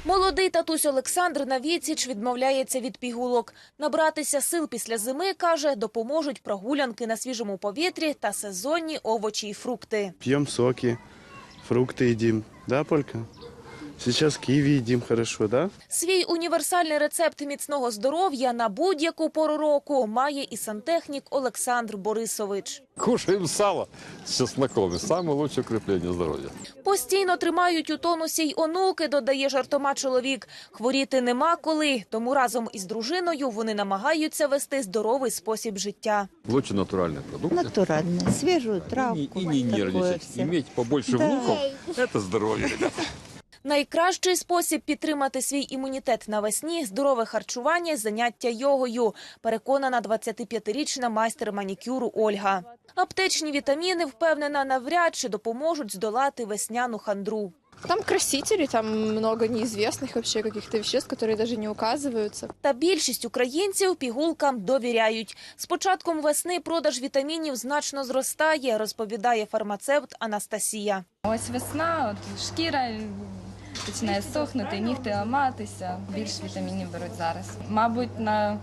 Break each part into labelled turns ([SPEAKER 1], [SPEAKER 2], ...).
[SPEAKER 1] Молодий татусь Олександр на відсіч відмовляється від пігулок. Набратися сил після зими, каже, допоможуть прогулянки на свіжому повітрі та сезонні овочі і фрукти.
[SPEAKER 2] Пьем соки, фрукты едим, да, Полька? Сейчас киви едим хорошо, да?
[SPEAKER 1] Свій універсальний рецепт міцного здоров'я на будь-яку пору року має і сантехнік Олександр Борисович.
[SPEAKER 3] Кушаем сало с чесноком. И самое лучшее укрепление здоровья.
[SPEAKER 1] Постійно тримають у тонусі й онуки, додає жартома чоловік. Хворіти нема коли, тому разом із дружиною вони намагаються вести здоровий спосіб життя.
[SPEAKER 3] Лучше натуральные продукты.
[SPEAKER 4] Натуральная, свежую травку.
[SPEAKER 3] И не
[SPEAKER 4] такое
[SPEAKER 3] нервничать.
[SPEAKER 4] всё.
[SPEAKER 3] Иметь побольше внуков – это здоровье, ребята.
[SPEAKER 1] Найкращий спосіб підтримати свій імунітет навесні – здорове харчування, заняття йогою, переконана 25-річна майстер манікюру Ольга. Аптечні вітаміни, впевнена, навряд чи допоможуть здолати весняну хандру.
[SPEAKER 5] Там красители, там много неизвестных вообще каких-то веществ, которые даже не указываются.
[SPEAKER 1] Та більшість українців пігулкам довіряють. З початком весни продаж вітамінів значно зростає, розповідає фармацевт Анастасія.
[SPEAKER 6] Ось весна, от шкіра починає сохнути, нігти ламатися, більше вітамінів беруть зараз. Мабуть, на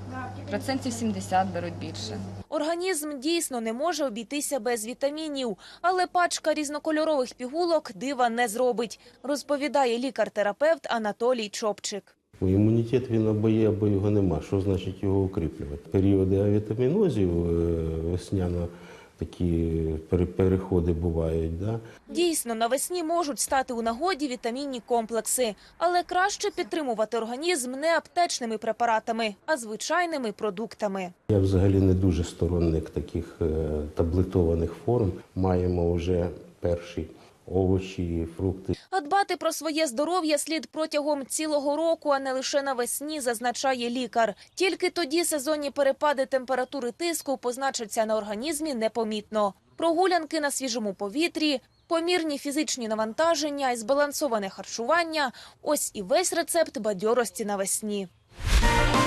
[SPEAKER 6] 70% беруть більше.
[SPEAKER 1] Організм дійсно не може обійтися без вітамінів, але пачка різнокольорових пігулок дива не зробить, розповідає лікар-терапевт Анатолій Чопчик.
[SPEAKER 7] Імунітет він або є, або його нема. Що значить його укріплювати? Періоди авітамінозів весняно такі переходи бувають. Да?
[SPEAKER 1] Дійсно, навесні можуть стати у нагоді вітамінні комплекси, але краще підтримувати організм не аптечними препаратами, а звичайними продуктами.
[SPEAKER 7] Я взагалі не дуже сторонник таких таблетованих форм. Маємо вже перші овочі, фрукти.
[SPEAKER 1] А дбати про своє здоров'я слід протягом цілого року, а не лише навесні, зазначає лікар. Тільки тоді сезонні перепади температури тиску позначаться на організмі непомітно. Прогулянки на свіжому повітрі, помірні фізичні навантаження і збалансоване харчування – ось і весь рецепт бадьорості навесні.